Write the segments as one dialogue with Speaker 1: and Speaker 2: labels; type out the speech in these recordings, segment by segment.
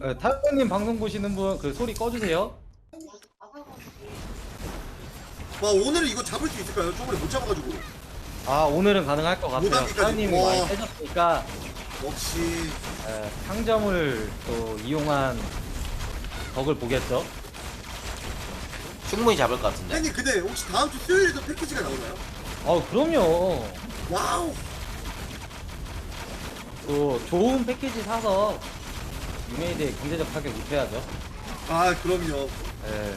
Speaker 1: 타요님 방송 보시는 분 그 소리 꺼주세요.
Speaker 2: 와 오늘은 이거 잡을 수 있을까요? 저번에 못 잡아가지고.
Speaker 1: 아 오늘은 가능할 것 같아요.
Speaker 2: 무단기까지.
Speaker 1: 타요님이
Speaker 2: 와.
Speaker 1: 많이 빼졌으니까
Speaker 2: 역시
Speaker 1: 상점을 또 이용한 덕을 보겠죠.
Speaker 3: 충분히 잡을 것 같은데.
Speaker 2: 형님 근데 혹시 다음 주 수요일에도 패키지가 나오나요?
Speaker 1: 그럼요.
Speaker 2: 와우.
Speaker 1: 또 좋은 패키지 사서 유메이드에 경제적 타격 입혀야죠.
Speaker 2: 아 그럼요.
Speaker 1: 예.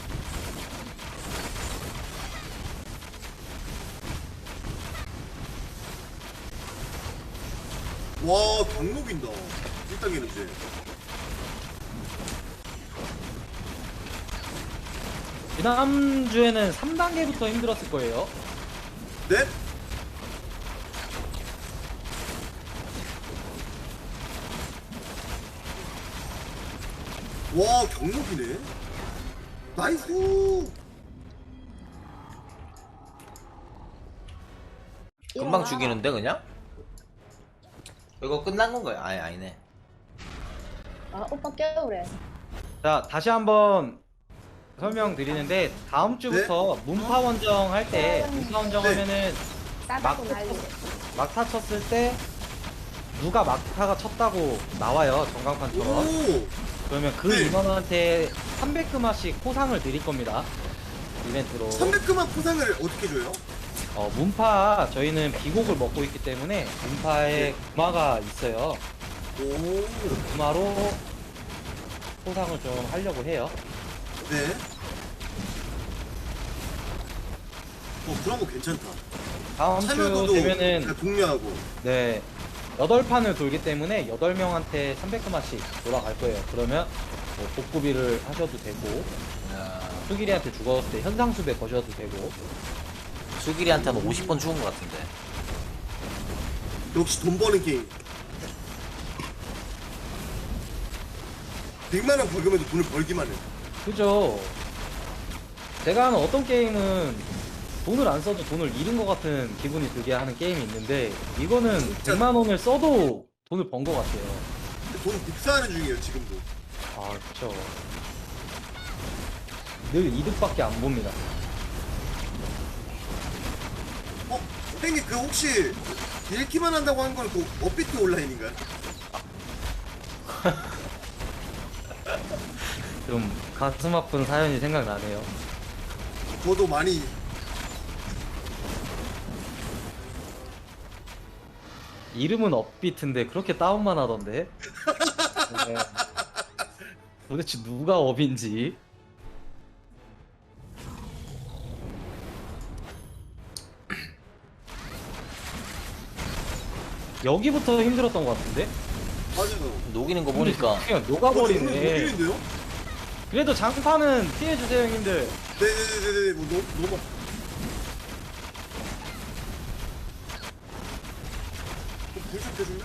Speaker 2: 와 강목인다. 1단계는 이제.
Speaker 1: 지난주에는 3단계부터 힘들었을 거예요.
Speaker 2: 네? 와 경목이네. 나이스.
Speaker 3: 금방 죽이는데 그냥? 이거 끝난 건가요? 아니네.
Speaker 4: 아 오빠 깨우래.
Speaker 1: 자, 다시 한번 설명드리는데 다음 주부터 문파 원정 할 때 문파 원정
Speaker 2: 네.
Speaker 1: 하면은
Speaker 4: 싸다고 난리래.
Speaker 1: 막타 쳤을 때 누가 막타가 쳤다고 나와요, 전광판처럼.
Speaker 2: 오.
Speaker 1: 그러면 그
Speaker 2: 네.
Speaker 1: 인원한테 300금화씩 포상을 드릴 겁니다, 이벤트로.
Speaker 2: 300금만 포상을 어떻게 줘요?
Speaker 1: 문파 저희는 비곡을 먹고 있기 때문에 문파에
Speaker 2: 네.
Speaker 1: 금화가 있어요.
Speaker 2: 오.
Speaker 1: 금화로 포상을 좀 하려고 해요.
Speaker 2: 네. 그런 거 괜찮다.
Speaker 1: 다음 주
Speaker 2: 참여도도
Speaker 1: 되면은
Speaker 2: 그냥 동료하고.
Speaker 1: 네 8판을 돌기 때문에 8명한테 300금화씩 돌아갈 거예요. 그러면 뭐 복구비를 하셔도 되고 수길이한테 죽었을 때 현상수배 거셔도 되고.
Speaker 3: 수길이한테는 50번 죽은 것 같은데.
Speaker 2: 역시 돈 버는 게임. 100만원 벌금에도 돈을 벌기만 해.
Speaker 1: 그죠. 제가 하는 어떤 게임은 돈을 안 써도 돈을 잃은 것 같은 기분이 들게 하는 게임이 있는데 이거는
Speaker 2: 진짜.
Speaker 1: 100만 원을 써도 돈을 번 것 같아요.
Speaker 2: 근데 돈 복사하는 중이에요 지금도.
Speaker 1: 아 그쵸. 늘 이득밖에 안 봅니다.
Speaker 2: 형님 그 혹시 읽기만 한다고 한 건 그 업비트 온라인인가요?
Speaker 1: 좀 가슴 아픈 사연이 생각나네요.
Speaker 2: 저도 많이.
Speaker 1: 이름은 업비트인데 그렇게 다운만 하던데. 네. 도대체 누가 업인지. 여기부터 힘들었던 것 같은데?
Speaker 2: 맞아요.
Speaker 3: 녹이는 거 보니까
Speaker 1: 그냥
Speaker 2: 오늘
Speaker 1: 녹아버리네.
Speaker 2: 녹이는데요?
Speaker 1: 그래도 장판은 피해주세요 형님들.
Speaker 2: 네네네네. 뭐 너무. 불좀 켜줄래?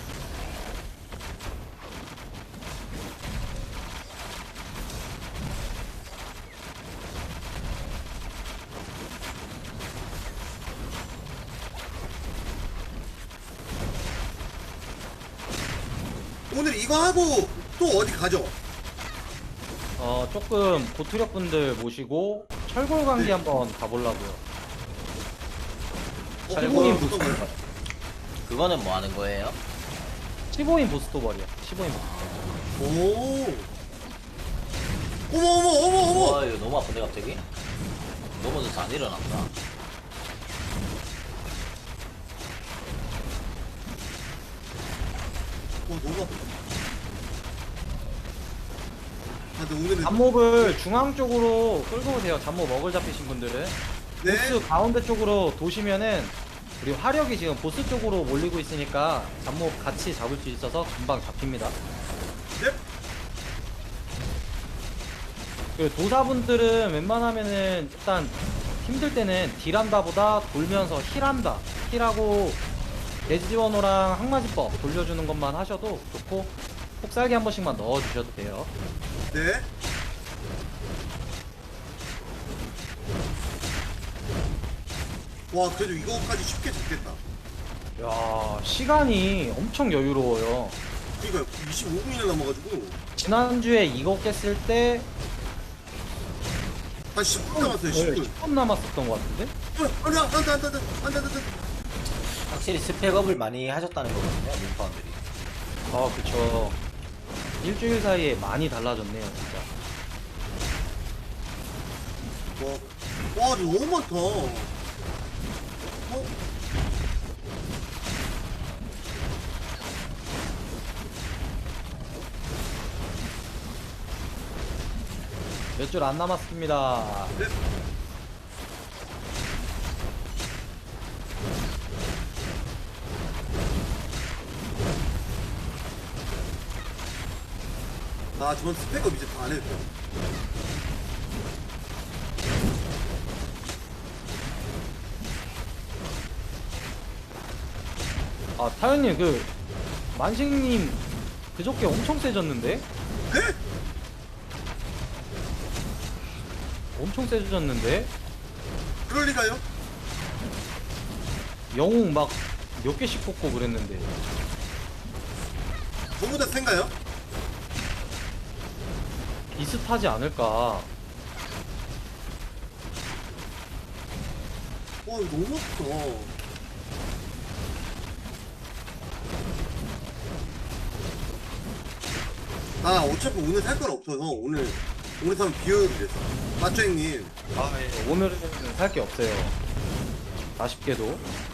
Speaker 2: 오늘 이거 하고 또 어디 가죠?
Speaker 1: 조금 고투력 분들 모시고 철골 관계
Speaker 2: 네.
Speaker 1: 한번 가보려고요.
Speaker 2: 그거는
Speaker 1: 철골인
Speaker 2: 어떤 거예요?
Speaker 1: 부스터.
Speaker 3: 그거는 뭐 하는 거예요?
Speaker 1: 15인 부스터벌이야. 15인 부스터.
Speaker 2: 오. 어머.
Speaker 3: 와 이거 너무 아픈데 갑자기? 넘어져서 안 일어났다.
Speaker 2: 너무 아프다. 아, 근데 오늘은.
Speaker 1: 잡몹을 중앙 쪽으로 끌고 오세요. 잡몹 먹을 잡히신 분들은.
Speaker 2: 네.
Speaker 1: 보스 가운데 쪽으로 도시면은 우리 화력이 지금 보스 쪽으로 몰리고 있으니까 잡몹 같이 잡을 수 있어서 금방 잡힙니다.
Speaker 2: 네.
Speaker 1: 그 도사분들은 웬만하면은 일단 힘들 때는 딜한다보다 돌면서 힐한다. 힐하고 대지원호랑 항마지법 돌려주는 것만 하셔도 좋고 폭살기 한 번씩만 넣어주셔도 돼요.
Speaker 2: 네. 와, 그래도 이거까지 쉽게 잡겠다.
Speaker 1: 야 시간이 엄청 여유로워요.
Speaker 2: 그러니까 25분이나 남아가지고
Speaker 1: 지난주에 이거 깼을 때
Speaker 2: 한 10분 남았어요. 10분.
Speaker 1: 10분 남았었던 것 같은데?
Speaker 2: 안돼.
Speaker 3: 확실히 스펙업을 많이 하셨다는 거거든요, 문파원들이.
Speaker 1: 아 그쵸. 일주일 사이에 많이 달라졌네요 진짜.
Speaker 2: 와 너무 많다.
Speaker 1: 몇 줄 안 남았습니다.
Speaker 2: 네. 아 저번 스펙업 이제 다 안 해도 돼요.
Speaker 1: 아 타연님 그 만식님 그저께 엄청 세졌는데?
Speaker 2: 네?
Speaker 1: 엄청 세졌는데?
Speaker 2: 그럴 리가요?
Speaker 1: 영웅 막 몇 개씩 뽑고 그랬는데.
Speaker 2: 저보다 센가요?
Speaker 1: 비슷하지 않을까.
Speaker 2: 와 이거 너무 아프다. 아 어차피 오늘 살 건 없어서 오늘 사면 비효율이래서 맞죠 형님?
Speaker 1: 아, 예. 오늘은 살 게 없어요. 아쉽게도.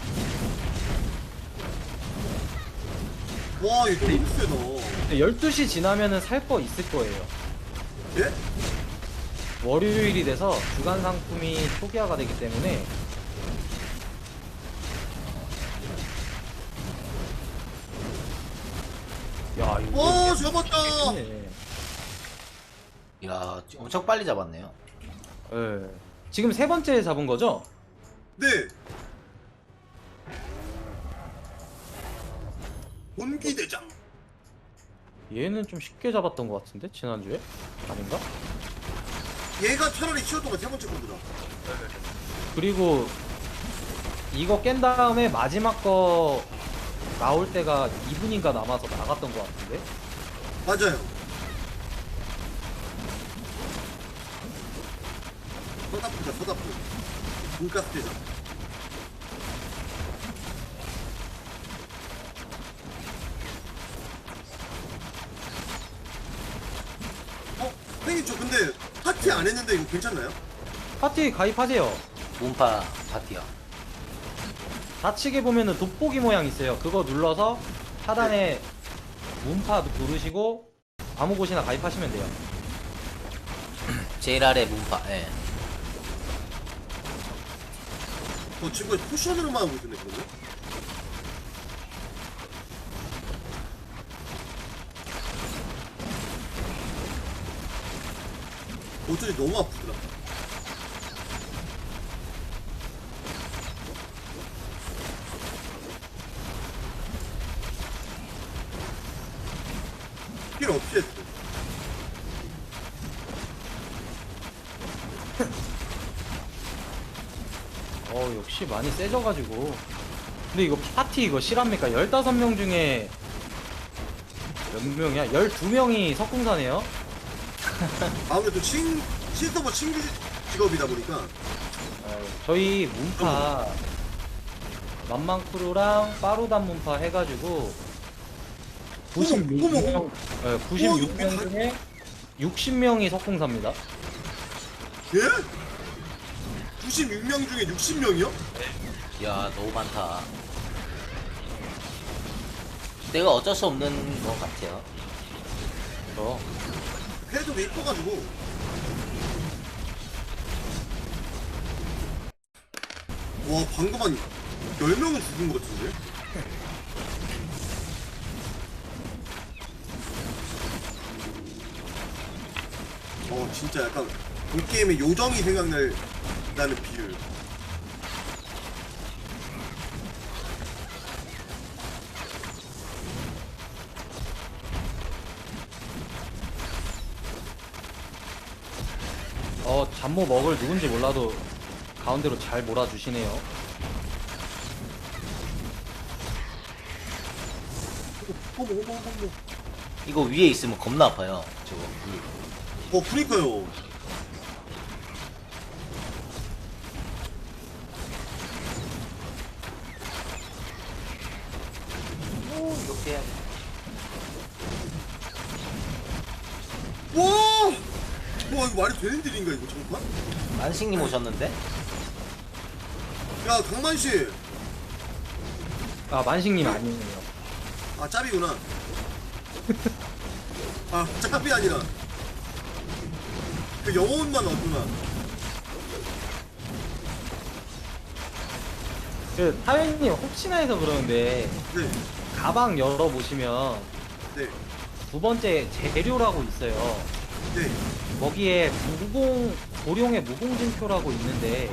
Speaker 2: 와 이거 너무 세다.
Speaker 1: 근데 12시 지나면은 살 거 있을 거예요.
Speaker 2: 예?
Speaker 1: 월요일이 돼서 주간 상품이 초기화가 되기 때문에 야 이거
Speaker 2: 와 잡았다.
Speaker 1: 네.
Speaker 3: 이야, 엄청 빨리 잡았네요.
Speaker 1: 예. 지금 세 번째 잡은 거죠?
Speaker 2: 네. 본기대장.
Speaker 1: 얘는 좀 쉽게 잡았던 것 같은데 지난주에? 아닌가?
Speaker 2: 얘가 차라리 쉬웠던 거 세 번째 거보다.
Speaker 1: 그리고 이거 깬 다음에 마지막 거 나올 때가 2분인가 남아서 나갔던 것 같은데?
Speaker 2: 맞아요. 서다프다 서다프. 돈가스 대장. 형님 저 근데 파티 안 했는데 이거 괜찮나요?
Speaker 1: 파티 가입하세요.
Speaker 3: 문파 파티요.
Speaker 1: 좌측에 보면은 돋보기 모양 있어요. 그거 눌러서 하단에 문파 누르시고 아무 곳이나 가입하시면 돼요.
Speaker 3: 제일 아래 문파, 예.
Speaker 2: 지금까지 포션으로만 하고 있었네 그러면? 어쩐지 너무 아프더라. 필요 없이 했어.
Speaker 1: 역시 많이 세져가지고. 근데 이거 파티 이거 실합니까? 15명 중에 몇 명이야? 12명이 석궁사네요?
Speaker 2: 아무래도 신서버 신규 직업이다 보니까
Speaker 1: 저희 문파 만만크루랑 빠루단 문파 해가지고 96명, 96명 중에 60명이 석궁사입니다.
Speaker 2: 예? 96명 중에 60명이요?
Speaker 3: 이야, 너무 많다. 내가 어쩔 수 없는 것 같아요.
Speaker 2: 패드도 이뻐가지고 와 방금 한 10명은 죽은 것 같은데? 진짜 약간 본게임의 요정이 생각나는 비율.
Speaker 1: 잠모 먹을 누군지 몰라도 가운데로 잘 몰아주시네요.
Speaker 2: 어머 어머 어머.
Speaker 3: 이거 위에 있으면 겁나 아파요. 저거.
Speaker 2: 그니까요.
Speaker 3: 이렇게 해야 돼.
Speaker 2: 와! 와 이거 말이 되는 일인가 이거 정말?
Speaker 3: 만식님 오셨는데?
Speaker 2: 야 강만씨.
Speaker 1: 아 만식님 아니에요.
Speaker 2: 아 짭이구나. 아 짭이 아니라 그 영혼만 얻구나.
Speaker 1: 그 타연님 혹시나 해서 그러는데
Speaker 2: 네.
Speaker 1: 가방 열어보시면
Speaker 2: 네.
Speaker 1: 두 번째 재료라고 있어요.
Speaker 2: 네.
Speaker 1: 거기에 고룡의 무공증표라고 있는데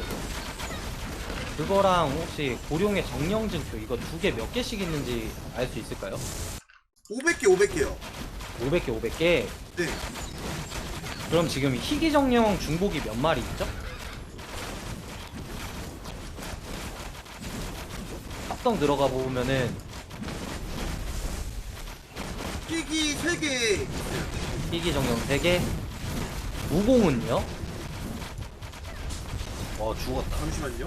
Speaker 1: 그거랑 혹시 고룡의 정령증표 이거 두 개 몇 개씩 있는지 알 수 있을까요?
Speaker 2: 500개 500개요.
Speaker 1: 500개 500개.
Speaker 2: 네.
Speaker 1: 그럼 지금 희귀정령 중복이 몇 마리 있죠? 합성 들어가 보면은
Speaker 2: 끼기 3개.
Speaker 1: 희귀정령 3개, 무공은요?
Speaker 3: 죽었다.
Speaker 2: 잠시만요.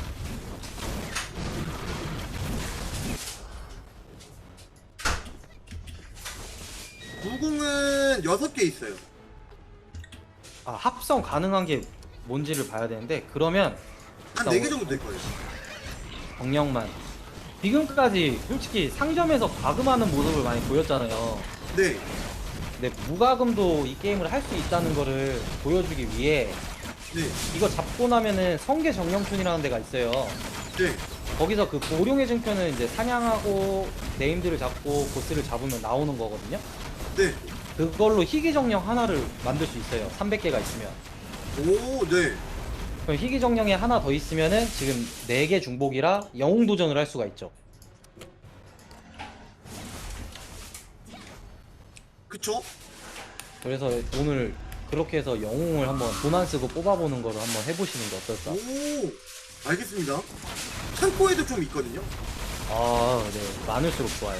Speaker 2: 무공은 6개 있어요.
Speaker 1: 아 합성 가능한 게 뭔지를 봐야 되는데 그러면
Speaker 2: 한
Speaker 1: 일단
Speaker 2: 4개 정도 될 거예요.
Speaker 1: 정령만 지금까지 솔직히 상점에서 과금하는 모습을 많이 보였잖아요.
Speaker 2: 네.
Speaker 1: 근데 무과금도 이 게임을 할 수 있다는 거를 보여주기 위해
Speaker 2: 네.
Speaker 1: 이거 잡고 나면은 성계 정령촌이라는 데가 있어요.
Speaker 2: 네.
Speaker 1: 거기서 그 고룡의 증표는 이제 사냥하고 네임들을 잡고 보스를 잡으면 나오는 거거든요.
Speaker 2: 네.
Speaker 1: 그걸로 희귀 정령 하나를 만들 수 있어요. 300개가 있으면.
Speaker 2: 오, 네.
Speaker 1: 그럼 희귀 정령이 하나 더 있으면은 지금 4개 중복이라 영웅 도전을 할 수가 있죠.
Speaker 2: 그쵸?
Speaker 1: 그래서 오늘 그렇게 해서 영웅을 한번 돈 안 쓰고 뽑아보는 거를 한번 해보시는 게 어떨까?
Speaker 2: 오, 알겠습니다. 창고에도 좀 있거든요.
Speaker 1: 아, 네. 많을수록 좋아요.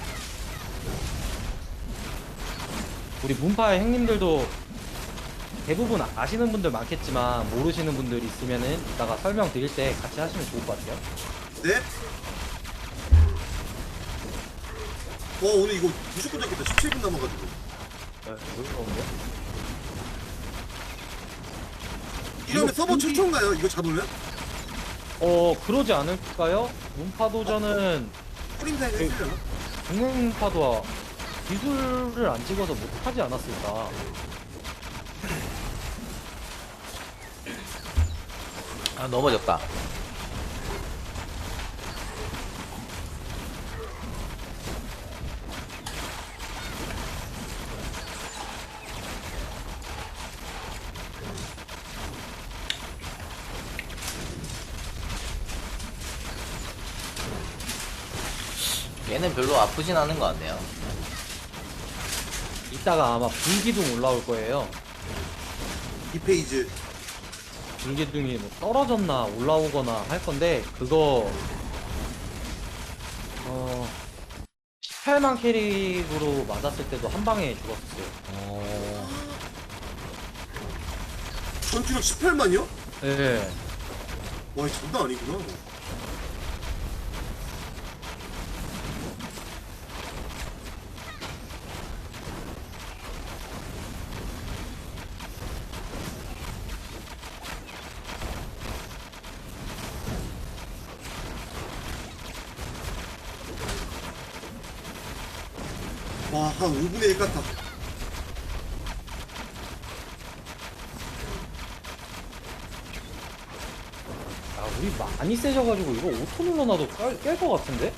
Speaker 1: 우리 문파의 형님들도 대부분 아시는 분들 많겠지만 모르시는 분들 있으면은 이따가 설명드릴 때 같이 하시면 좋을 것 같아요.
Speaker 2: 네. 오늘 이거 무조건 잡겠다. 17분 남아가지고.
Speaker 1: 네, 무서운데?
Speaker 2: 이러면
Speaker 1: 이거
Speaker 2: 서버
Speaker 1: 분기-
Speaker 2: 최초인가요? 이거 잡으면?
Speaker 1: 그러지 않을까요? 문파도전은
Speaker 2: 프린타임
Speaker 1: 네.
Speaker 2: 해주려나?
Speaker 1: 중국 문파도와 기술을 안 찍어서 못하지 않았을까?
Speaker 3: 아, 넘어졌다. 얘는 별로 아프진 않은 것 같네요.
Speaker 1: 이따가 아마 불기둥 올라올 거예요.
Speaker 2: 2페이지.
Speaker 1: 불기둥이 뭐 떨어졌나 올라오거나 할 건데 그거 18만 캐릭으로 맞았을 때도 한 방에 죽었어요.
Speaker 2: 전투력 18만이요?
Speaker 1: 네.
Speaker 2: 와, 이 장난 아니구나. 와, 한 5분의 1 같아.
Speaker 1: 아, 우리 많이 세져가지고 이거 오토 눌러놔도 깰 것 같은데?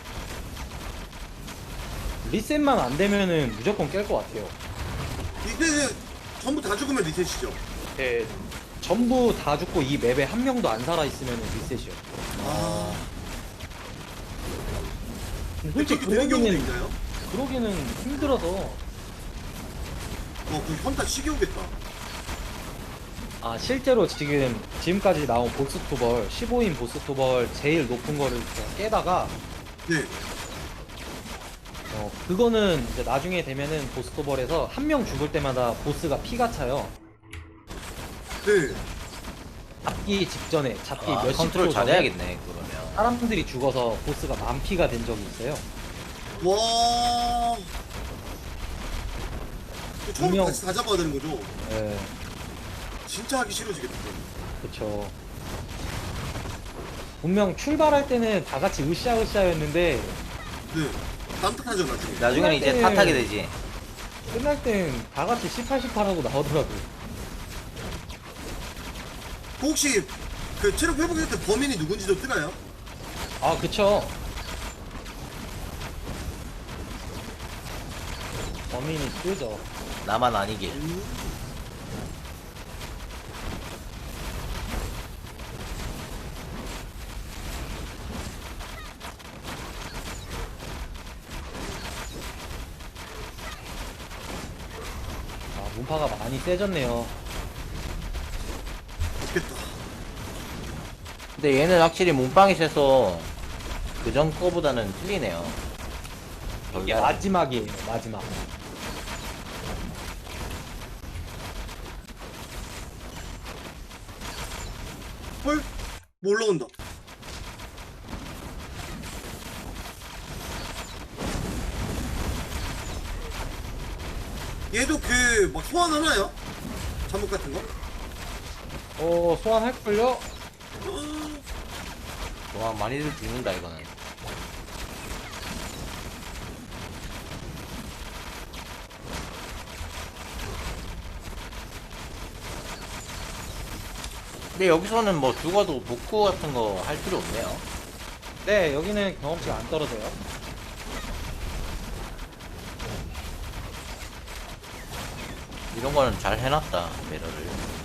Speaker 1: 리셋만 안 되면은 무조건 깰 것 같아요.
Speaker 2: 이때는 전부 다 죽으면 리셋이죠.
Speaker 1: 네. 전부 다 죽고 이 맵에 한 명도 안 살아있으면 리셋이요.
Speaker 2: 아,
Speaker 1: 근데 솔직히
Speaker 2: 그렇게 되는 경우도
Speaker 1: 그러기는,
Speaker 2: 있나요?
Speaker 1: 그러기는 힘들어서.
Speaker 2: 그 현타 시기 오겠다.
Speaker 1: 실제로 지금까지 나온 보스 토벌, 15인 보스 토벌 제일 높은 거를 깨다가,
Speaker 2: 네.
Speaker 1: 그거는 이제 나중에 되면은 보스토벌에서 한 명 죽을 때마다 보스가 피가 차요.
Speaker 2: 네.
Speaker 1: 잡기 직전에 잡기
Speaker 3: 아,
Speaker 1: 몇십
Speaker 3: 컨트롤
Speaker 1: 초 전에
Speaker 3: 잘해야겠네 그러면.
Speaker 1: 사람들이 죽어서 보스가 만피가 된 적이 있어요.
Speaker 2: 와. 처음
Speaker 1: 분명-
Speaker 2: 다시 다 잡아야 되는 거죠?
Speaker 1: 예,
Speaker 2: 진짜 하기 싫어지겠다.
Speaker 1: 그쵸. 분명 출발할 때는 다 같이 으쌰으쌰였는데
Speaker 2: 네. 다음 탓하죠 나중에.
Speaker 3: 나중에는 이제
Speaker 1: 때는-
Speaker 3: 탓하게 되지.
Speaker 1: 끝날 땐 다 같이 18하고 나오더라고요.
Speaker 2: 그 혹시 그 체력 회복할 때 범인이 누군지도 뜨나요?
Speaker 1: 아, 그쵸. 범인이 뜨죠.
Speaker 3: 나만 아니길.
Speaker 1: 아, 문파가 많이 세졌네요.
Speaker 2: 좋겠다.
Speaker 3: 근데 얘는 확실히 몸빵이 세서 그전 거보다는 틀리네요.
Speaker 1: 이게 마지막이에요, 마지막.
Speaker 2: 헐? 뭐 올라온다. 얘도 그 막 소환하나요? 잠복 같은 거?
Speaker 1: 소환할걸요?
Speaker 3: 와 많이들 죽는다 이거는. 근데 여기서는 뭐 죽어도 복구 같은 거 할 필요 없네요.
Speaker 1: 네, 여기는 경험치가 안 떨어져요.
Speaker 3: 이런 거는 잘 해놨다 배러를.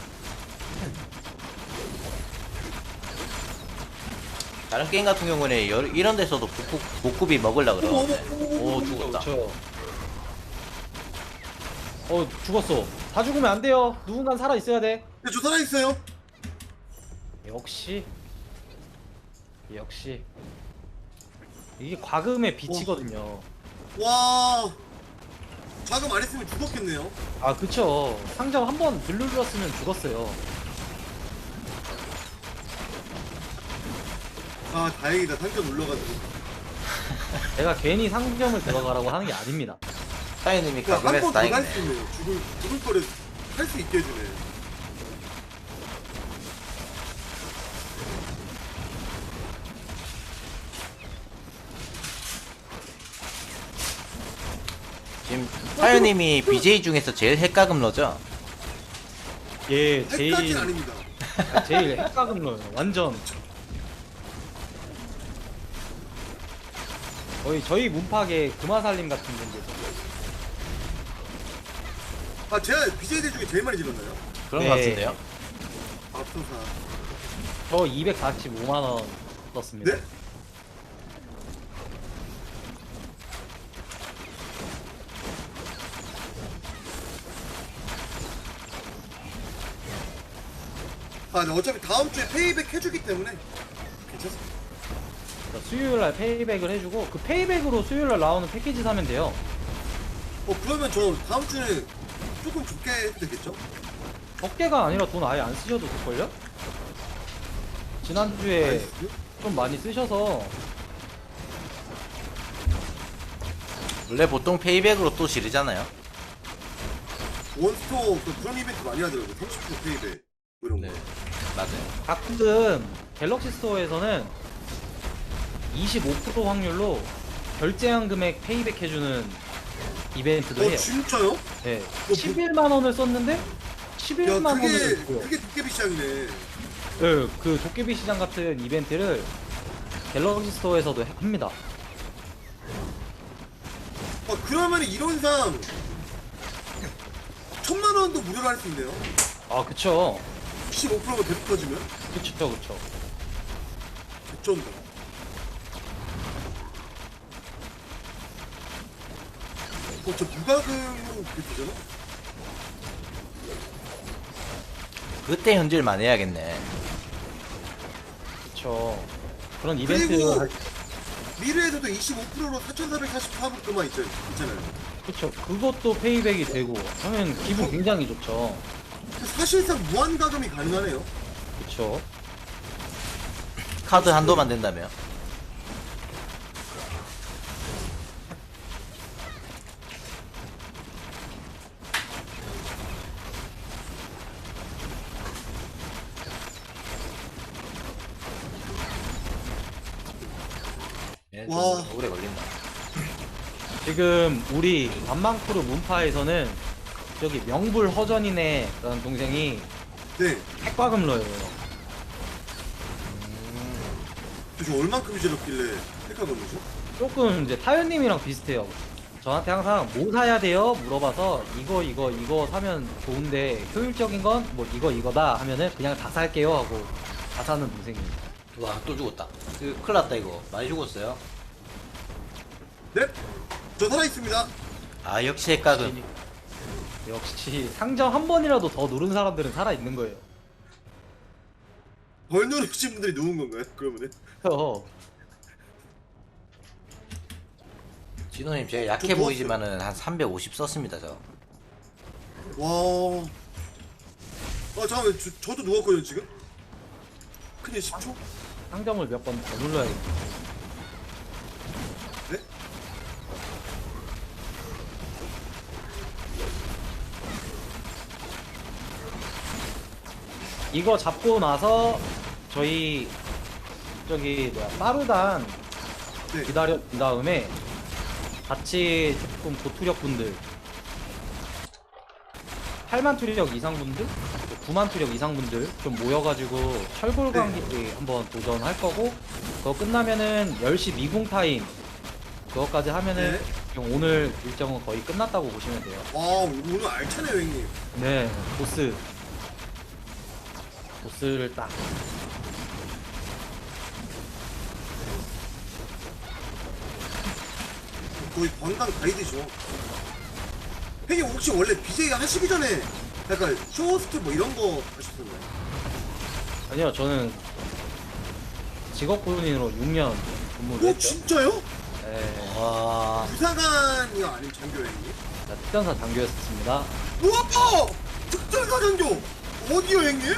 Speaker 3: 다른 게임 같은 경우는 이런 데서도 복구비 먹으려 그러는데. 오 죽었다.
Speaker 1: 그렇죠. 죽었어. 다 죽으면 안 돼요. 누군간 살아 있어야 돼.
Speaker 2: 네, 저 살아있어요.
Speaker 1: 역시. 역시. 이게 과금의 빛이거든요.
Speaker 2: 와. 자금 안 했으면 죽었겠네요.
Speaker 1: 아, 그쵸. 상점 한 번 눌렀으면 죽었어요.
Speaker 2: 아, 다행이다. 상점 올라가지고.
Speaker 1: 내가 괜히 상점을 들어가라고 하는 게 아닙니다.
Speaker 3: 사장님이
Speaker 2: 한
Speaker 3: 가끔해서
Speaker 2: 번 더 갈
Speaker 3: 다행이네.
Speaker 2: 수 있네. 죽을 거를 할 수 있게 해주네.
Speaker 3: 지금 사장님이 BJ 중에서 제일 핵가금러죠?
Speaker 1: 예,
Speaker 2: 핵까지는
Speaker 1: 제일,
Speaker 2: 아닙니다.
Speaker 1: 제일 핵가금러요. 완전. 거의 저희 문파계 금화살림 같은 분들.
Speaker 2: 아, 제가 BJ들 중에 제일 많이 질렀나요?
Speaker 3: 그런
Speaker 1: 네.
Speaker 3: 것 같은데요?
Speaker 2: 앞서사.
Speaker 1: 저 245만원 썼습니다.
Speaker 2: 네? 아, 네, 어차피 다음 주에 페이백 해주기 때문에 괜찮습니다.
Speaker 1: 수요일날 페이백을 해주고 그 페이백으로 수요일날 나오는 패키지 사면 돼요.
Speaker 2: 그러면 저 다음 주에 조금 좋게 해도 되겠죠?
Speaker 1: 적게가 아니라 돈 아예 안 쓰셔도 될걸요? 지난주에
Speaker 2: 나이스.
Speaker 1: 좀 많이 쓰셔서
Speaker 3: 원래 보통 페이백으로 또 지르잖아요.
Speaker 2: 원스토어 그런 이벤트 많이 하더라고요. 30% 페이백 뭐 이런 거.
Speaker 3: 네, 맞아요.
Speaker 1: 가끔 갤럭시 스토어에서는 25% 확률로 결제한 금액 페이백 해주는 이벤트도 해요.
Speaker 2: 진짜요?
Speaker 1: 네.
Speaker 2: 뭐-
Speaker 1: 11만원을 썼는데
Speaker 2: 야,
Speaker 1: 11만원을
Speaker 2: 그게 도깨비 시장이네.
Speaker 1: 네, 그 도깨비 시장 같은 이벤트를 갤럭시 스토어에서도 합니다.
Speaker 2: 그러면 이론상 1000만원도 무료로 할 수 있네요.
Speaker 1: 아, 그쵸.
Speaker 2: 15%가 계속 터지면
Speaker 1: 그쵸, 그쵸.
Speaker 2: 개쩐다. 저 무과금으로 그게 되잖아?
Speaker 3: 그때 현질만 해야겠네.
Speaker 1: 그쵸. 그런 이벤트
Speaker 2: 그리고 미르에서도 25%로 4,444불만 있잖아요.
Speaker 1: 그쵸. 그것도 페이백이 되고 하면 기분 굉장히 좋죠.
Speaker 2: 사실상 무한 가금이 가능하네요.
Speaker 1: 그쵸.
Speaker 3: 카드 한도만 된다며. 얘는 좀
Speaker 2: 와.
Speaker 3: 오래 걸린다.
Speaker 1: 지금 우리 반망크루 문파에서는 저기 명불 허전이네라는 동생이
Speaker 2: 네.
Speaker 1: 핵과금러예요.
Speaker 2: 그래서 얼만큼 지렀길래 택하건거죠?
Speaker 1: 조금 이제 타연님이랑 비슷해요. 저한테 항상 뭐 사야 돼요? 물어봐서 이거 사면 좋은데 효율적인 건 뭐 이거다 하면은 그냥 다 살게요 하고 다 사는 동생입니다.
Speaker 3: 와, 또 죽었다. 큰일 났다, 이거. 많이 죽었어요.
Speaker 2: 네? 저 살아있습니다.
Speaker 3: 아, 역시 핵각은.
Speaker 1: 역시 상점 한 번이라도 더 누른 사람들은 살아 있는 거예요.
Speaker 2: 벌 누르신 분들이 누운 건가요? 그러면은?
Speaker 3: 진호님, 제가 약해
Speaker 2: 좀
Speaker 3: 보이지만은 한 350 썼습니다, 저.
Speaker 2: 와. 아, 잠깐만. 저도 누웠거든요, 지금? 큰일 10초?
Speaker 1: 상점을 몇 번 더 눌러야겠다.
Speaker 2: 네?
Speaker 1: 이거 잡고 나서 저희 저기 뭐야 빠르단
Speaker 2: 네.
Speaker 1: 기다린 다음에 같이 조금 고투력 분들 8만 투력 이상 분들 9만 투력 이상 분들 좀 모여가지고 철골 관계 한번 도전할 거고 그거 끝나면은 10시 미궁 타임 그거까지 하면은
Speaker 2: 네.
Speaker 1: 지금 오늘 일정은 거의 끝났다고 보시면 돼요.
Speaker 2: 와, 오늘 알차네요, 형님.
Speaker 1: 네, 보스를 딱
Speaker 2: 거의 관광 가이드죠. 형님 혹시 원래 BJ 하시기 전에 약간 쇼호스트 뭐 이런 거 하셨었나요?
Speaker 1: 아니요 저는 직업군인으로 6년 근무를
Speaker 2: 오,
Speaker 1: 했죠.
Speaker 2: 진짜요?
Speaker 1: 네,
Speaker 3: 와.
Speaker 2: 부사관이요? 아니면 장교요, 형님?
Speaker 1: 특전사 장교였습니다.
Speaker 2: 우와! 특전사 장교! 어디요, 형님?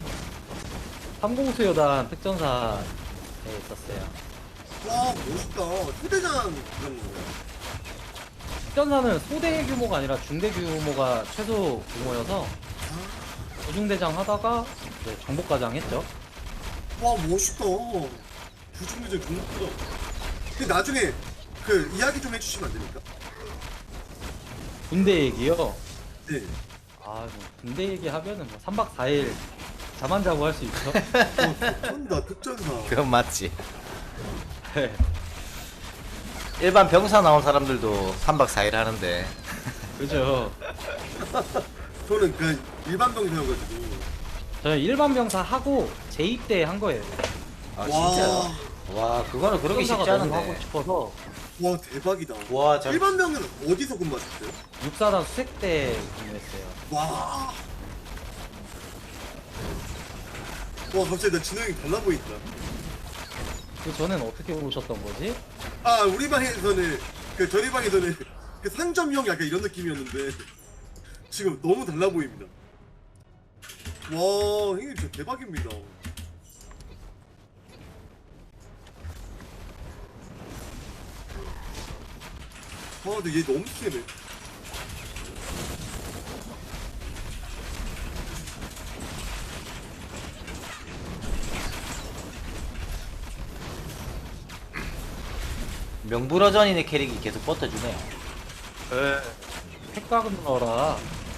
Speaker 1: 3공수여단 특전사에 있었어요.
Speaker 2: 와, 멋있다. 휴대장 그런 거예요?
Speaker 1: 특전사는 소대 규모가 아니라 중대 규모가 최소 규모여서 조중대장 하다가 이제 정복과장 했죠.
Speaker 2: 와, 멋있다. 부중대장 중국보다. 근데 나중에 그 이야기 좀 해주시면 안 됩니까?
Speaker 1: 군대 얘기요.
Speaker 2: 네.
Speaker 1: 뭐 군대 얘기 하면은 뭐 3박 4일 잠 안 자고 할 수 있죠.
Speaker 2: 특전사, 특전사.
Speaker 3: 그건 맞지.
Speaker 1: 네.
Speaker 3: 일반 병사 나온 사람들도 3박 4일 하는데.
Speaker 1: 그죠.
Speaker 2: 저는 그냥 일반 병사여가지고.
Speaker 1: 저는 일반 병사 하고 제2때 한 거예요.
Speaker 3: 아,
Speaker 2: 와.
Speaker 3: 진짜요? 와, 그거는 그렇게 쉽지
Speaker 1: 특전사가 너무 하고
Speaker 3: 않은데.
Speaker 1: 싶어서
Speaker 2: 와, 대박이다.
Speaker 3: 와, 잘.
Speaker 2: 일반 병은 어디서 근무하셨어요?
Speaker 1: 육사단 수색대 근무했어요.
Speaker 2: 와. 와, 갑자기 나 진호 형이 달라 보인다.
Speaker 1: 그 전엔 어떻게 오셨던 거지?
Speaker 2: 아, 우리 방에서는, 저희 방에서는 그 상점형 약간 이런 느낌이었는데, 지금 너무 달라 보입니다. 와, 형님 진짜 대박입니다. 와, 근데 얘 너무 세네.
Speaker 3: 명불허전인의 캐릭이 계속 버텨주네요.
Speaker 1: 핵각은 넣어라.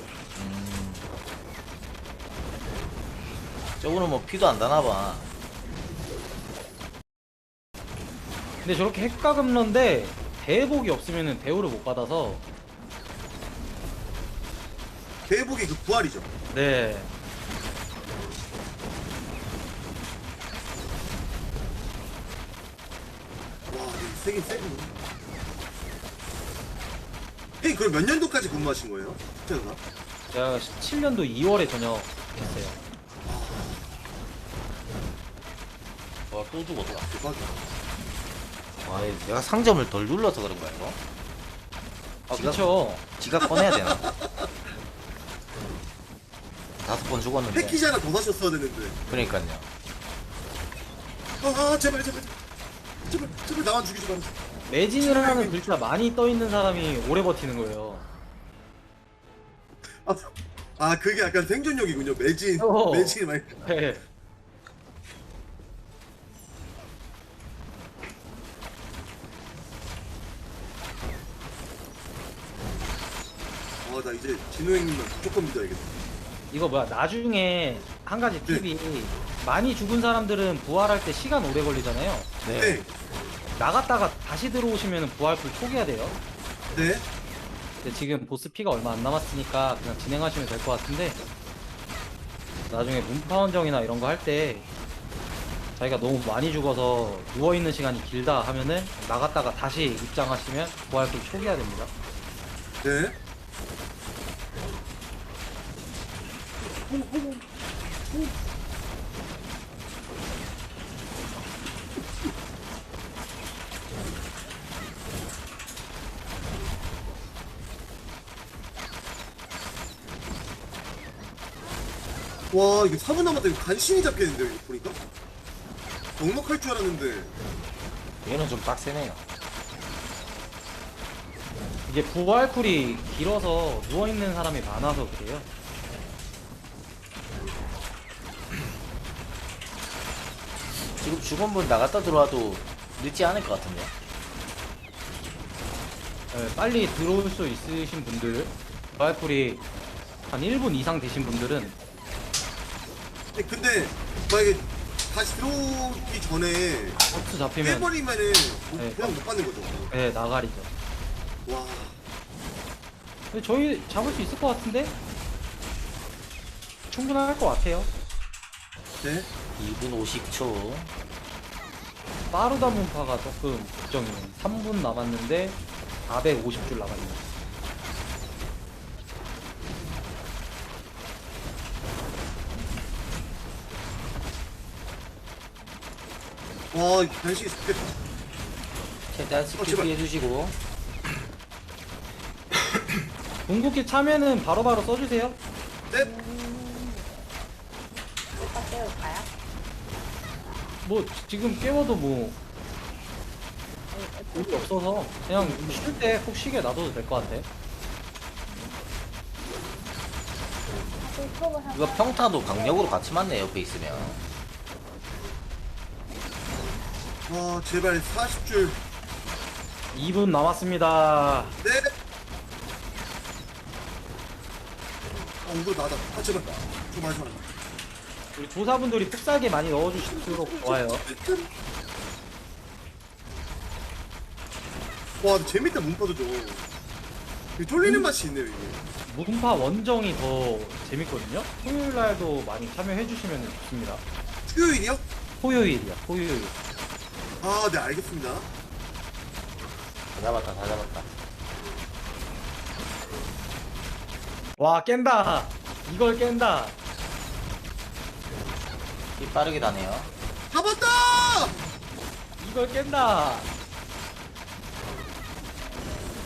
Speaker 3: 저거는 뭐 피도 안 나나봐.
Speaker 1: 근데 저렇게 핵가금러인데 대복이 없으면 대우를 못 받아서
Speaker 2: 대복이 그 부활이죠.
Speaker 1: 네.
Speaker 2: 와, 세긴 세군. 형님, 그럼 몇 년도까지 근무하신 거예요? 특전사?
Speaker 1: 제가 17년도 2월에 전역했어요.
Speaker 3: 와, 또 죽었다.
Speaker 2: 대박이다.
Speaker 3: 아, 내가 상점을 덜 눌러서 그런 거야 이거?
Speaker 1: 아 그쵸.
Speaker 3: 지가 꺼내야 되나? 5번 죽었는데.
Speaker 2: 패키지 하나 더 사셨어야 되는데.
Speaker 3: 그러니까요.
Speaker 2: 제발 나만 죽이지 마라.
Speaker 1: 매진이라는 글자 많이 떠 있는 사람이 오래 버티는 거예요.
Speaker 2: 그게 약간 생존력이군요. 매진이 많이.
Speaker 1: 네.
Speaker 2: 나 이제 진호 형님만 무조건 믿어야겠다.
Speaker 1: 이거 뭐야 나중에 한 가지 팁이 많이 죽은 사람들은 부활할 때 시간 오래 걸리잖아요.
Speaker 2: 네.
Speaker 1: 나갔다가 다시 들어오시면 부활풀 초기화 돼요.
Speaker 2: 네.
Speaker 1: 근데 지금 보스 피가 얼마 안 남았으니까 그냥 진행하시면 될 것 같은데 나중에 문파원정이나 이런 거 할 때 자기가 너무 많이 죽어서 누워있는 시간이 길다 하면은 나갔다가 다시 입장하시면 부활풀 초기화 됩니다.
Speaker 2: 네. 와, 이게 4분 남았다. 이거 간신히 잡겠는데, 이거 보니까? 넉넉할 줄 알았는데.
Speaker 3: 얘는 좀 빡세네요.
Speaker 1: 이게 부활풀이 길어서 누워있는 사람이 많아서 그래요.
Speaker 3: 지금 죽은 분 나갔다 들어와도 늦지 않을 것 같은데.
Speaker 1: 네, 빨리 들어올 수 있으신 분들 부활풀이 한 1분 이상 되신 분들은
Speaker 2: 근데, 만약에 다시 들어오기 전에
Speaker 1: 버스 잡히면
Speaker 2: 깨버리면은
Speaker 1: 네.
Speaker 2: 그냥 못 받는 거죠.
Speaker 1: 네, 나가리죠.
Speaker 2: 와.
Speaker 1: 근데 저희 잡을 수 있을 것 같은데? 충분할 것 같아요.
Speaker 2: 네.
Speaker 3: 2분 50초.
Speaker 1: 빠르다 문파가 조금 걱정이네. 3분 남았는데 450줄 남았네요.
Speaker 2: 와, 이거 간신히 잡겠다.
Speaker 3: 최대한 스킬
Speaker 2: 제발.
Speaker 3: 피해주시고.
Speaker 1: 궁극기 차면은 바로바로 써주세요.
Speaker 2: 네.
Speaker 4: 오빠 깨울까요?
Speaker 1: 뭐 지금 깨워도 뭐 의미 없어서 그냥 쉴 때 푹 쉬게 놔둬도 될 것 같아.
Speaker 4: 톡을 한
Speaker 3: 이거 평타도 강력으로 같이 맞네 옆에 있으면.
Speaker 2: 와, 제발 40줄.
Speaker 1: 2분 남았습니다.
Speaker 2: 네. 이거 나다. 제발. 좀 마지막.
Speaker 1: 우리 조사분들이 푹살게 많이 넣어주실수록 좋아요.
Speaker 2: 와, 재밌다, 문파도죠. 이게 쫄리는 맛이 있네요, 이게.
Speaker 1: 문파 원정이 더 재밌거든요. 토요일날도 많이 참여해주시면 좋습니다.
Speaker 2: 수요일이요?
Speaker 1: 토요일이야, 토요일.
Speaker 2: 네, 알겠습니다.
Speaker 3: 다 잡았다, 다 잡았다.
Speaker 1: 와, 깬다. 이걸 깬다.
Speaker 3: 이 빠르게 다네요.
Speaker 2: 잡았다!
Speaker 1: 이걸 깬다.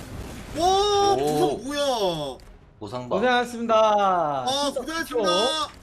Speaker 2: 와,
Speaker 3: 오.
Speaker 2: 부상 뭐야?
Speaker 3: 보상바.
Speaker 1: 고생하셨습니다.
Speaker 2: 고생하셨습니다.